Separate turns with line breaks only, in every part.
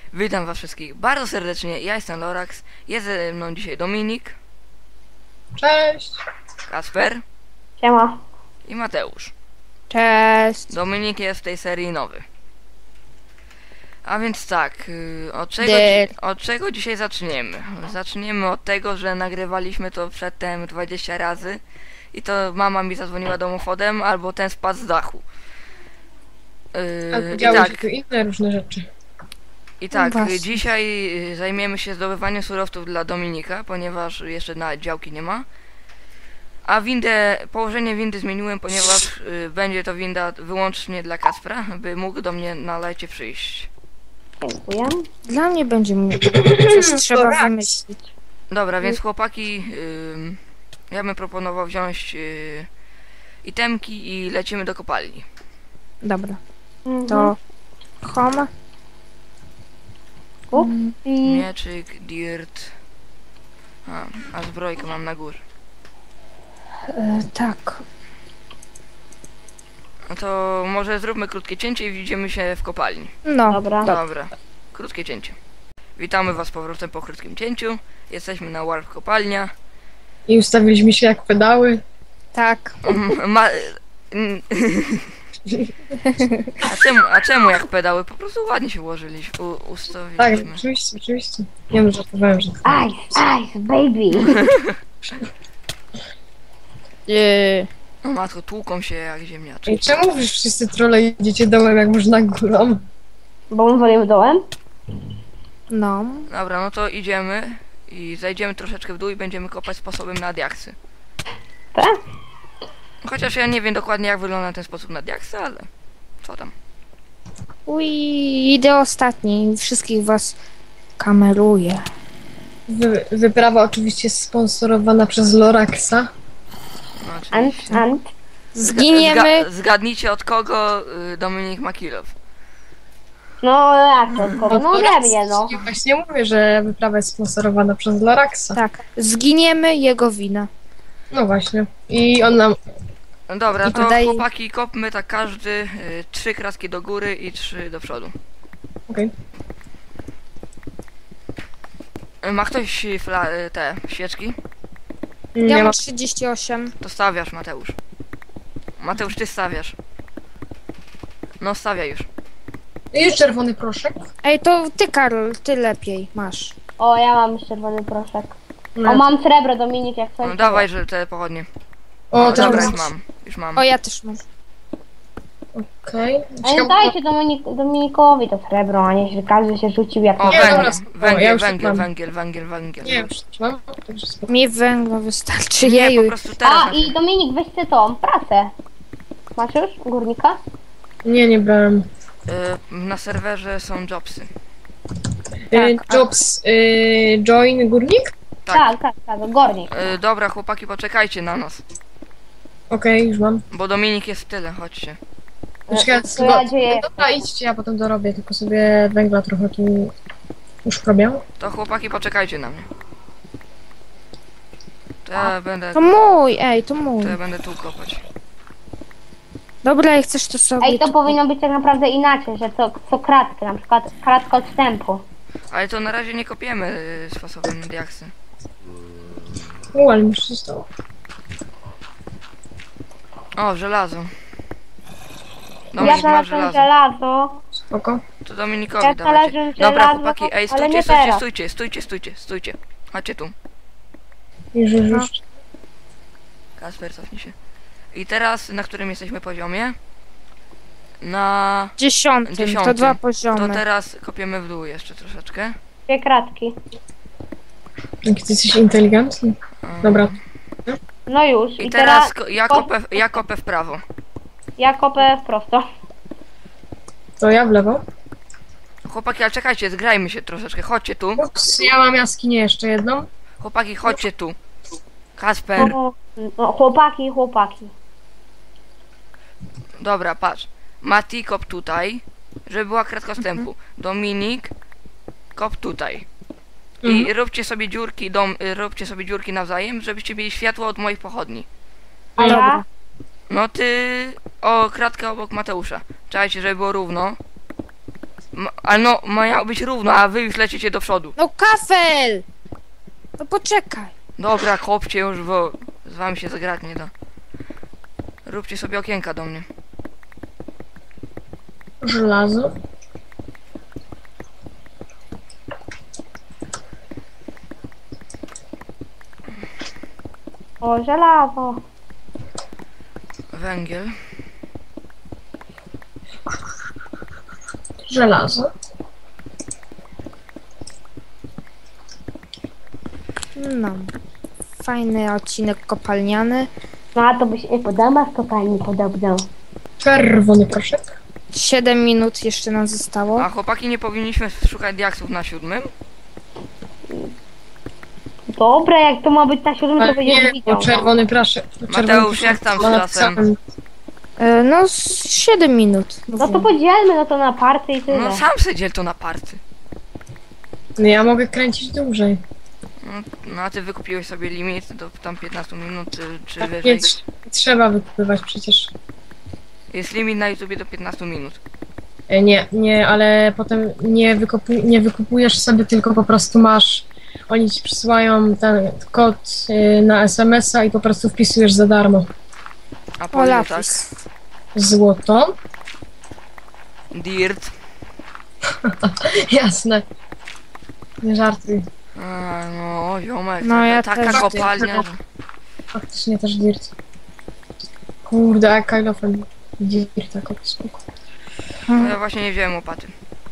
Witam was wszystkich bardzo serdecznie, ja jestem Lorax, jest ze mną dzisiaj Dominik,
Cześć!
Kasper
Siema.
i Mateusz.
Cześć.
Dominik jest w tej serii nowy. A więc tak, od czego dzisiaj zaczniemy? Zaczniemy od tego, że nagrywaliśmy to przedtem 20 razy i to mama mi zadzwoniła domofodem, albo ten spadł z dachu.
A
I
działy
tak,
się tu inne różne rzeczy.
I tak,
Właśnie.
dzisiaj zajmiemy się zdobywaniem surowców dla Dominika, ponieważ jeszcze na działki nie ma. A położenie windy zmieniłem, ponieważ będzie to winda wyłącznie dla Kaspra, by mógł do mnie na lecie przyjść.
Dziękuję.
Dla mnie będzie coś trzeba wymyślić.
Dobra, więc chłopaki, ja bym proponował wziąć itemki i lecimy do kopalni.
Dobra. To home.
I
Mieczyk, dirt. A zbrojkę mam na górze.
Tak.
No to może zróbmy krótkie cięcie i widzimy się w kopalni.
No.
dobra.
Dobra, krótkie cięcie. Witamy was z powrotem po krótkim cięciu. Jesteśmy na Warp Kopalnia.
I ustawiliśmy się jak pedały.
Tak.
Ma... a czemu jak pedały? Po prostu ładnie się ułożyliśmy,
Tak,
ustawiliśmy.
oczywiście. Nie wiem, żartowałem, że...
Ice, baby.
O matko, tłuką się jak ziemniaczki.
Ej, czemu wy wszyscy trolle idziecie dołem, jak można górą?
Bo my wolimy dołem?
No.
Dobra, no to idziemy i zajdziemy troszeczkę w dół i będziemy kopać sposobem na diaksy.
Tak?
Chociaż ja nie wiem dokładnie jak wygląda ten sposób na diaksy, ale co tam.
Idę ostatni. Wszystkich was kameruję.
Wyprawa oczywiście sponsorowana przez Loraxa.
No,
Ant,
oczywiście.
ant.
Zginiemy.
Zgadnijcie od kogo Dominik ma kill off.
No jak to? Kogo? No ode mnie, no.
Ja właśnie mówię, że wyprawa jest sponsorowana przez Loraxa.
Tak. Zginiemy jego wina.
No właśnie. I on nam...
No dobra,
I
to
tutaj-
chłopaki kopmy tak każdy 3 kraski do góry i 3 do przodu.
Okej.
Ma ktoś te świeczki?
Ja
Nie
mam
ma...
38.
To stawiasz, Mateusz. Mateusz, ty stawiasz. No stawiaj już.
Jest czerwony proszek.
Ej, to ty, Karol, ty lepiej masz.
O, ja mam czerwony proszek.
No.
O, mam srebro, Dominik, jak coś.
No dawaj, że te pochodnie.
O,
Dobra,
teraz...
już mam. Już mam.
O, ja też mam.
Okej.
Ale dajcie Dominikowi to srebro, a nie że każdy się rzucił jak
O,
Nie,
węgiel,
dobra, spoko, ja
węgiel,
już tak
węgiel,
mam.
węgiel, węgiel, węgiel.
Nie, już mam. Także spoko.
Mi węgla wystarczy.
Nie, po
Jeju.
prostu teraz.
A, i Dominik, weź ty tą pracę. Masz już? Górnika?
Nie brałem.
Na serwerze są jobsy.
Jobs, join górnik?
Tak.
Tak, górnik.
Dobra, chłopaki, poczekajcie na nas.
Okej, już mam.
Bo Dominik jest w tyle, chodźcie.
Czekaj,
To ja dzieje.
dobra, idźcie, ja potem dorobię, tylko sobie węgla trochę tu już robię.
To chłopaki, poczekajcie na mnie. To ja będę,
To mój, ej, to mój.
to ja będę tu kopać.
Dobra, jak chcesz to sobie...
Ej, to powinno być tak naprawdę inaczej, że co kratkę, na przykład kratka odstępu.
Ale to na razie nie kopiemy sposobem na diaksy.
Ale mi się stało.
O, żelazo.
Ja
Dominik ma
znalazłem
żelazo.
żelazo.
Spoko.
To Dominikowi
Ja
dawajcie.
znalazłem
Dobra,
żelazo,
chłopaki, ej,
ale
stójcie,
nie
stójcie,
teraz.
stójcie. Chodźcie tu.
Już.
Kasper, cofnij się. I teraz, na którym jesteśmy poziomie? Na...
10. To
10.
2
To
poziomy.
teraz kopiemy w dół jeszcze troszeczkę.
2 kratki.
Jaki ty jesteś inteligentny. Dobra.
No już.
I teraz ja kopę w prawo.
Ja kopę prosto.
To ja w lewo.
Chłopaki, ale czekajcie, zgrajmy się troszeczkę. Chodźcie tu.
Ups, ja mam jaskinię jeszcze jedną.
Chłopaki, chodźcie tu. Kasper.
No, chłopaki.
Dobra, patrz. Mati, kop tutaj, żeby była kratka wstępu. Dominik, kop tutaj. I róbcie sobie dziurki nawzajem, żebyście mieli światło od moich pochodni.
A ja?
Dobra.
No ty... O, kratkę obok Mateusza. Czekajcie, żeby było równo. Ale no, miało być równo, a wy już lecicie do przodu.
No kafel! No poczekaj.
Dobra, kopcie już, bo z wami się zagrać nie da. Róbcie sobie okienka do mnie.
Żelazo.
O, żelazo.
Węgiel.
Żelazo.
No. Fajny odcinek kopalniany.
No a to by się podoba w kopalni podobno.
Czerwony proszek.
7 minut jeszcze nam zostało.
A chłopaki, nie powinniśmy szukać diaksów na 7?
Dobra, jak to ma być na 7, to
Ale
będziesz
nie,
widział.
bo czerwony proszek.
Mateusz, jak tam z czasem?
No, 7 minut.
No to podzielmy no to na party i tyle.
No sam se dziel to na party.
No ja mogę kręcić dłużej.
No a ty wykupiłeś sobie limit do tam 15 minut, czy
Tak
wyżej.
nie trzeba wykupywać przecież.
Jest limit na YouTubie do 15 minut.
Nie, ale potem nie wykupujesz sobie, tylko po prostu masz. Oni ci przysyłają ten kod na SMS-a i po prostu wpisujesz za darmo.
A
O,
po ile tak?
lapis.
Złoto.
Dirt.
Jasne. Nie żartuj.
A, no, ziomek,
No, ja
taka
też
kopalnia, że...
Faktycznie też dirt. Kurde, jak Kylofem dirt tak spoko.
No, ja właśnie nie wziąłem łopaty.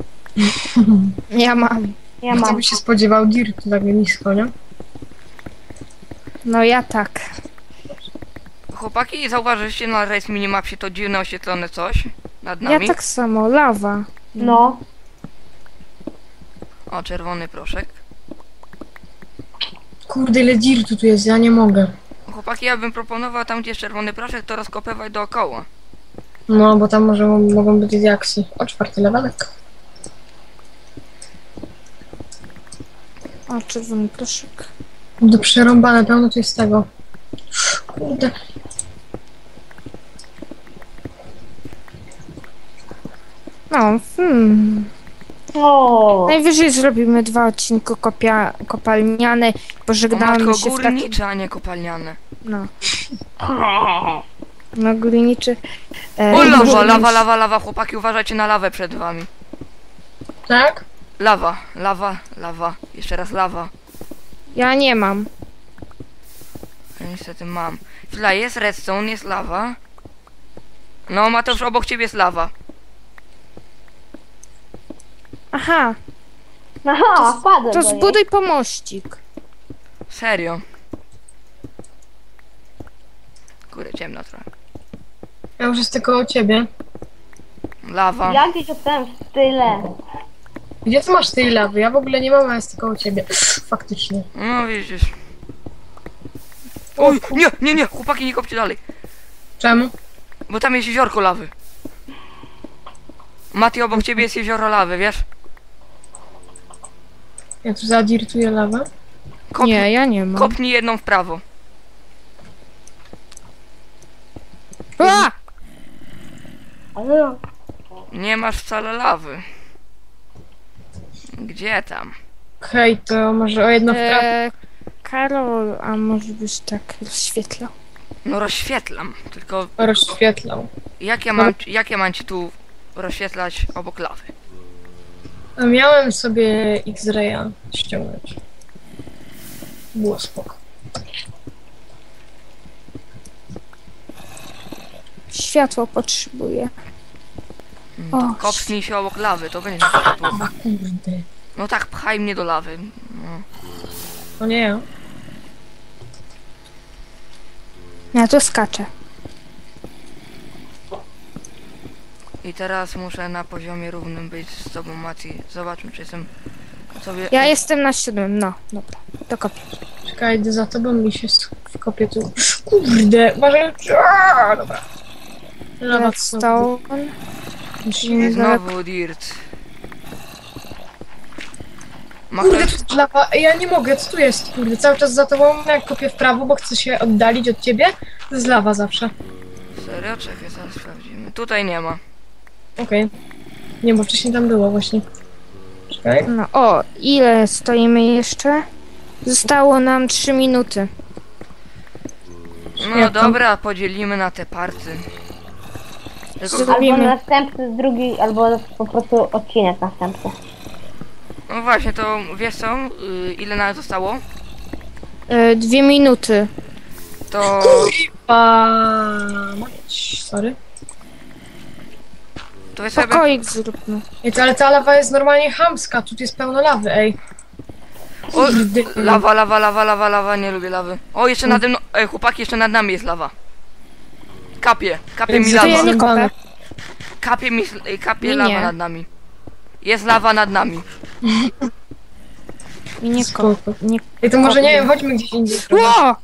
Ja mam.
Ja
Kto
mam.
by się spodziewał dirtu tak nisko, nie?
No ja tak.
Chłopaki, zauważyliście na race minimapsie to dziwne oświetlone coś nad
Ja
nami?
tak samo. Lawa.
No.
O, czerwony proszek.
Kurde, ile dirtu tu jest, ja nie mogę.
Chłopaki, ja bym proponował tam, gdzie jest czerwony proszek, to rozkopywać dookoła.
No, bo tam może mogą być diaksy. O, 4 levelek.
O, czerwony proszek.
Do przerąbane, pełno tu jest tego. Kurde.
No,
O.
Najwyżej zrobimy 2 odcinki kopalniane.
O
Pożegnamy
matko,
się w takim...
górnicze, a nie kopalniane.
No. No, górniczy.
O, lawa,
górniczy.
lawa, chłopaki, uważajcie na lawę przed wami.
Tak?
Lawa, jeszcze raz lawa.
Ja nie mam.
Ja niestety mam. Chwila, jest redstone, jest lawa. No, Mateusz, obok ciebie jest lawa.
Aha,
Aha, wpadłem
to
do niej.
zbuduj pomościk.
Serio. Kurde, ciemno trochę.
Ja już jest tylko o ciebie.
Lawa.
Ja gdzieś dostałem w tyle.
Gdzie ty masz tej lawy? Ja w ogóle nie mam, a jest tylko u ciebie. Faktycznie.
No, widzisz. Oj, nie, chłopaki, nie kopcie dalej.
Czemu?
Bo tam jest jeziorko lawy. Mati, obok ciebie jest jezioro lawy, wiesz?
Ja tu zadirtuję lawę.
Nie, ja nie mam.
Kopnij jedną w prawo.
A!
Ale
Nie masz wcale lawy. Gdzie tam?
Hej, to może o jedno w prawo.
Karol, a może byś tak rozświetlał?
No rozświetlam, tylko
Rozświetlał.
jak ja mam ci tu rozświetlać obok lawy?
A miałem sobie X-Raya ściągnąć. Było spoko.
Światło potrzebuję.
To
O,
kopnij się obok lawy, to będzie światło.
A kurde.
No tak, pchaj mnie do lawy. No.
To nie ja.
Ja to skaczę.
I teraz muszę na poziomie równym być z tobą, Mati. Zobaczmy, czy jestem sobie...
Ja jestem na 7, no, dobra, to kopię.
Czekaj, idę za tobą mi się wkopię tu. Kurde, uważaj. Aaa, dobra. Lawa
Redstone.
Musimy
Znowu dirt. Ma
Kurde,
ktoś...
to jest lawa. Ej, ja nie mogę, co tu jest? Kurde, cały czas za tobą, jak kopię w prawo, bo chcę się oddalić od ciebie. To jest lawa zawsze.
Serio? Czekaj, zaraz sprawdzimy. Tutaj nie ma.
Okej. Nie, bo wcześniej tam było właśnie. Czekaj.
No, o, ile stoimy jeszcze? Zostało nam 3 minuty.
No
Jak tam?
dobra, podzielimy na te party. Tylko,
Co?
Albo
Zrobimy.
następny, drugi, albo po prostu odcinek następny.
no właśnie, to wiesz co? Ile nawet zostało?
2 minuty.
To...
Mać, sorry.
To wiesz sobie...
Pokoik zróbmy.
Ej, ale ta lawa jest normalnie chamska, tu jest pełno lawy, ej.
O,
Kurde.
lawa, nie lubię lawy. O, jeszcze nade mną... Ej, chłopaki, jeszcze nad nami jest lawa. Kapie mi
To
To ja
lawa.
nie kopę.
Kapie
Nie,
lawa
nie.
nad nami. Jest lawa nad nami.
I nie
Spoko.
kopę. Nie...
Ej, to może nie wiem, chodźmy gdzieś indziej.
Ło!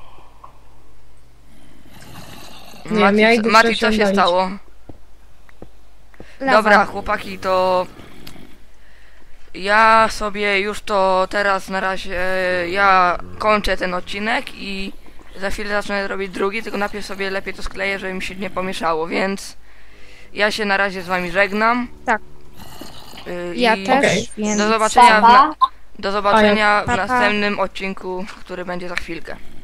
Nie wiem, ja idę
Mati,
coś
co się
oddalić.
stało?
Lawa.
Dobra, chłopaki, to... Ja sobie już to teraz na razie... Ja kończę ten odcinek i za chwilę zacznę robić drugi, tylko najpierw sobie lepiej to skleję, żeby mi się nie pomieszało, więc... Ja się na razie z wami żegnam.
Tak.
I
Ja też,
Okej.
więc...
do zobaczenia,
Pa, pa.
do zobaczenia w
Pa, pa.
następnym odcinku, który będzie za chwilkę.